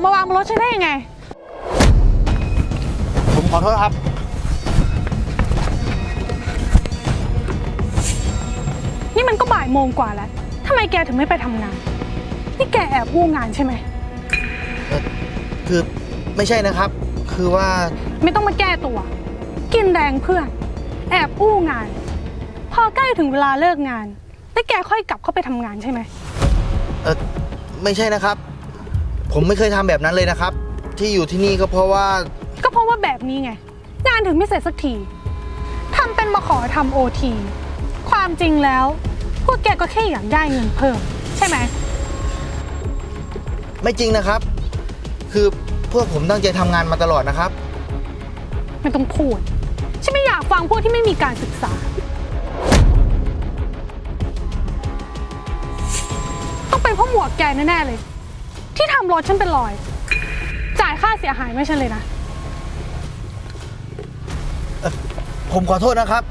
มาวางบนรถฉันได้ยังไงผมขอโทษครับนี่มันก็บ่ายโมงกว่าแล้วทำไมแกถึงไม่ไปทำงานนี่แกแอบอู้งานใช่ไหมคือไม่ใช่นะครับคือว่าไม่ต้องมาแก้ตัวกินแรงเพื่อนแอบอู้งานพอใกล้ถึงเวลาเลิกงานแล้วแกค่อยกลับเข้าไปทำงานใช่ไหมไม่ใช่นะครับผมไม่เคยทำแบบนั้นเลยนะครับที่อยู่ที่นี่ก็เพราะว่าแบบนี้ไงงานถึงไม่เสร็จสักทีทำเป็นมาขอทำOTความจริงแล้วพวกแกก็แค่อยากได้เงินเพิ่มใช่ไหมไม่จริงนะครับคือพวกผมตั้งใจทำงานมาตลอดนะครับไม่ต้องพูดฉันไม่อยากฟังพวกที่ไม่มีการศึกษาต้องเป็นพวกหมวกแกแน่ๆเลยที่ทำรถฉันเป็นรอยจ่ายค่าเสียหายไม่ใช่เลยนะผมขอโทษนะครับ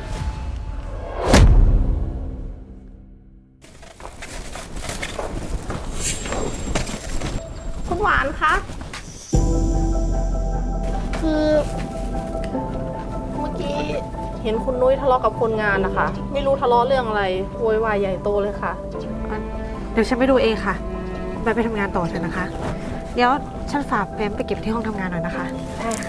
คุณหวานคะคือเมื่อกี้เห็นคุณนุ้ยทะเลาะกับคนงานนะคะไม่รู้ทะเลาะเรื่องอะไรโวยวายใหญ่โตเลยค่ะเดี๋ยวฉันไปดูเองค่ะไปทำงานต่อเถอะนะคะเดี๋ยวฉันฝากแฟ้มไปเก็บที่ห้องทำงานหน่อยนะคะได้ค่ะ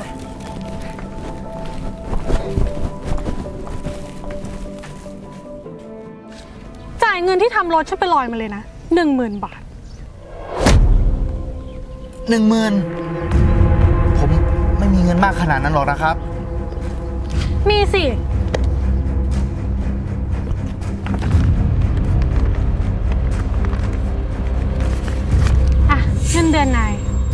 จ่ายเงินที่ทำรถฉันไปลอยมาเลยนะ10,000 บาท 10,000ผมไม่มีเงินมากขนาดนั้นหรอกนะครับมีสิเงินเดือนนาย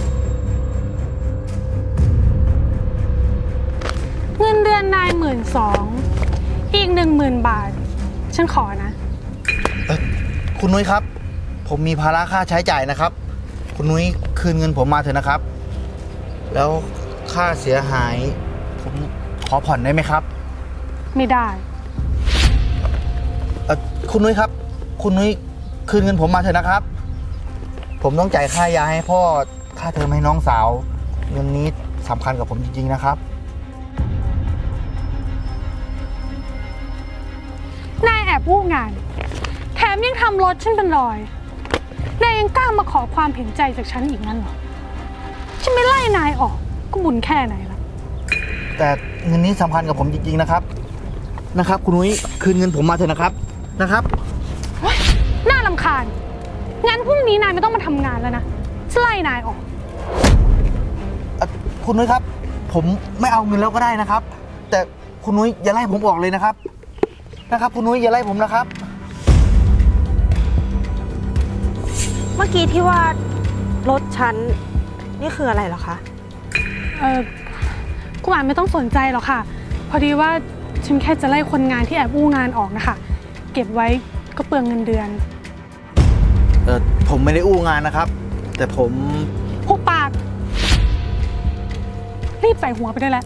เงินเดือนนาย12,000อีก10,000 บาทฉันขอนะคุณนุ้ยครับผมมีภาระค่าใช้จ่ายนะครับคุณนุ้ยคืนเงินผมมาเถอะนะครับแล้วค่าเสียหายผมขอผ่อนได้ไหมครับไม่ได้คุณนุ้ยครับคุณนุ้ยคืนเงินผมมาเถอะนะครับผมต้องจ่ายค่ายาให้พ่อค่าเทอมให้น้องสาวเงินนี้สำคัญกับผมจริงๆนะครับนายแอบวู่งานแถมยังทำรถฉันเป็นรอยนายยังกล้ามาขอความเห็นใจจากฉันอีกนั่นเหรอฉันไม่ไล่นายออกก็บุญแค่ไหนละแต่เงินนี้สำคัญกับผมจริงๆนะครับคุณนุ้ยคืนเงินผมมาเถอะนะครับน่ารำคาญงั้นพรุ่งนี้นายไม่ต้องมาทำงานแล้วนะฉันไล่นายออกคุณนุ้ยครับผมไม่เอาเงินแล้วก็ได้นะครับแต่คุณนุ้ยอย่าไล่ผมออกเลยนะครับคุณนุ้ยอย่าไล่ผมนะครับเมื่อกี้ที่ว่ารถฉันนี่คืออะไรเหรอคะคุณหวานไม่ต้องสนใจหรอกค่ะพอดีว่าฉันแค่จะไล่คนงานที่แอบอู้งานออกนะคะเก็บไว้ก็เปลืองเงินเดือนผมไม่ได้อู้งานนะครับแต่ผมหุบปากรีบใส่หัวไปได้แล้ว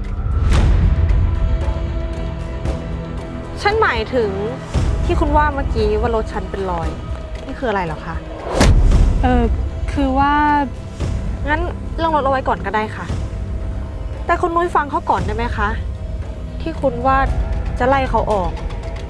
ฉันหมายถึงที่คุณว่าเมื่อกี้ว่ารถฉันเป็นรอยนี่คืออะไรเหรอคะคือว่างั้นเรื่องรถเอาไว้ก่อนก็ได้ค่ะแต่คุณนุ้ยฟังเขาก่อนได้ไหมคะที่คุณว่าจะไล่เขาออก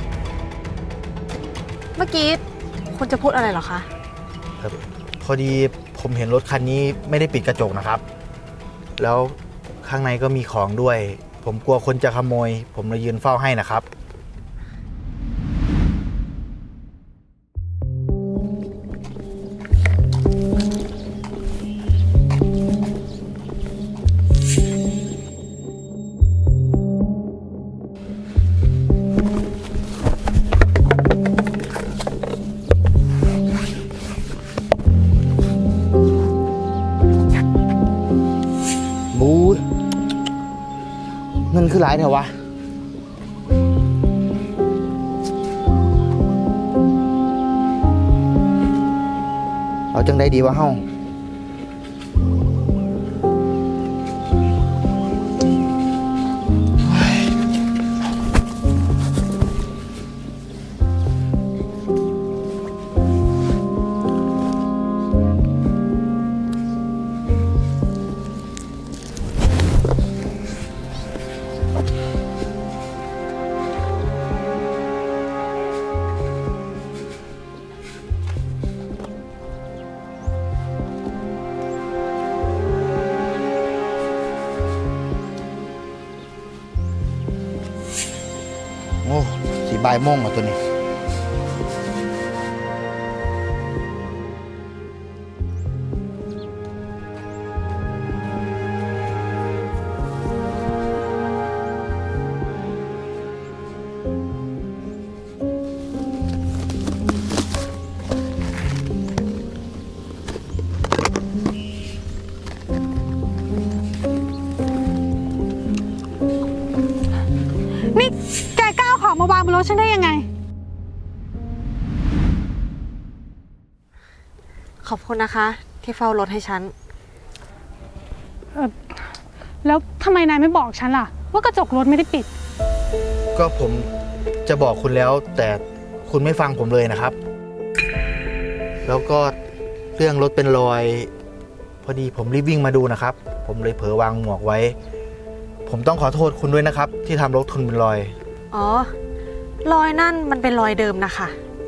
เมื่อกี้คุณจะพูดอะไรเหรอคะพอดีผมเห็นรถคันนี้ไม่ได้ปิดกระจกนะครับแล้วข้างในก็มีของด้วยผมกลัวคนจะขโมยผมเลยยืนเฝ้าให้นะครับเงินคือหลายเถอะวะเอาจังได้ดีวะเฮ้าบ่ายโมงเหรอตัวนี้นี่แกกล้าเอาของมาวางบนรถฉันได้ยังไงขอบคุณนะคะที่เฝ้ารถให้ฉันแล้วทำไมนายไม่บอกฉันล่ะ ว่ากระจกรถไม่ได้ปิดก็ผมจะบอกคุณแล้ว แต่คุณไม่ฟังผมเลยนะครับ แล้วก็เรื่องรถเป็นรอย พอดีผมรีบวิ่งมาดูนะครับ ผมเลยเผลอวางหมวกไว้ ผมต้องขอโทษคุณด้วยนะครับ ที่ทำรถคุณเป็นรอยอ๋อ รอยนั่นมันเป็นรอยเดิมนะคะ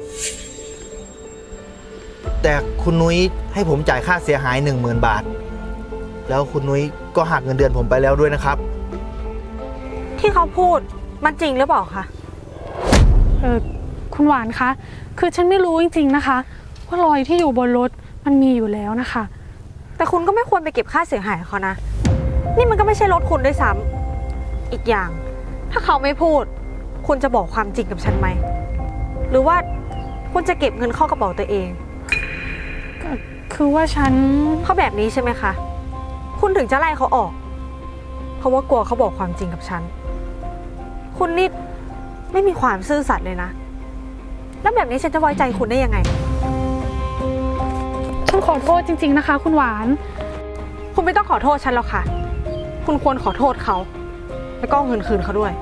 แต่คุณนุ้ยให้ผมจ่ายค่าเสียหาย 10,000 บาท แล้วคุณนุ้ยก็หักเงินเดือนผมไปแล้วด้วยนะครับที่เขาพูดมันจริงหรือเปล่าคะคุณหวานคะ คือฉันไม่รู้จริงๆนะคะ ว่ารอยที่อยู่บนรถมันมีอยู่แล้วนะคะแต่คุณก็ไม่ควรไปเก็บค่าเสียหายเขานะ นี่มันก็ไม่ใช่รถคุณด้วยซ้ำอีกอย่าง ถ้าเขาไม่พูด คุณจะบอกความจริงกับฉันไหม หรือว่าคุณจะเก็บเงินเข้ากระเป๋าตัวเองคือว่าฉันเพราะแบบนี้ใช่ไหมคะ คุณถึงจะไล่เขาออก เพราะว่ากลัวเขาบอกความจริงกับฉัน คุณนี่ไม่มีความซื่อสัตย์เลยนะ แล้วแบบนี้ฉันจะไว้ใจคุณได้ยังไงฉันขอโทษจริงๆนะคะ คุณหวานคุณไม่ต้องขอโทษฉันหรอกค่ะ คุณควรขอโทษเขา แล้วก็เอาเงินคืนเขาด้วย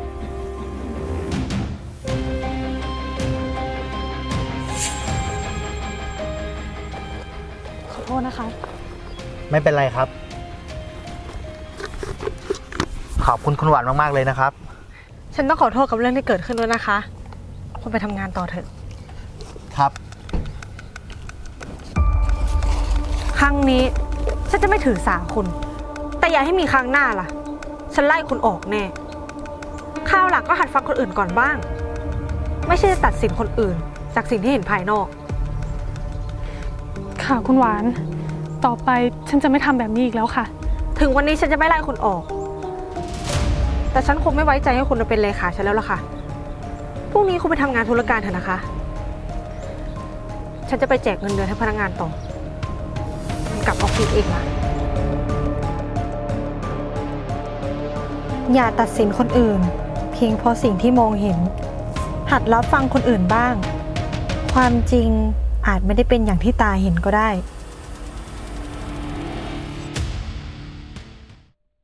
ขอโทษนะคะไม่เป็นไรครับ ขอบคุณคุณหวานมากๆเลยนะครับฉันต้องขอโทษกับเรื่องที่เกิดขึ้นด้วยนะคะ คุณไปทำงานต่อเถอะครับครั้งนี้ฉันจะไม่ถือสาคุณ แต่อย่าให้มีครั้งหน้าล่ะ ฉันไล่คุณออกแน่คราวหลังก็หัดฟังคนอื่นก่อนบ้าง ไม่ใช่จะตัดสินคนอื่น จากสิ่งที่เห็นภายนอกค่ะคุณหวาน ต่อไปฉันจะไม่ทำแบบนี้อีกแล้วค่ะถึงวันนี้ฉันจะไม่ไล่คุณออก แต่ฉันคงไม่ไว้ใจให้คุณมาเป็นเลขาฉันแล้วล่ะค่ะ พรุ่งนี้คุณไปทำงานธุรการเถอะนะคะ ฉันจะไปแจกเงินเดือนให้พนักงานต่อกลับออฟฟิศเองนะอย่าตัดสินคนอื่น เพียงเพราะสิ่งที่มองเห็น หัดรับฟังคนอื่นบ้าง ความจริงอาจไม่ได้เป็นอย่างที่ตาเห็นก็ได้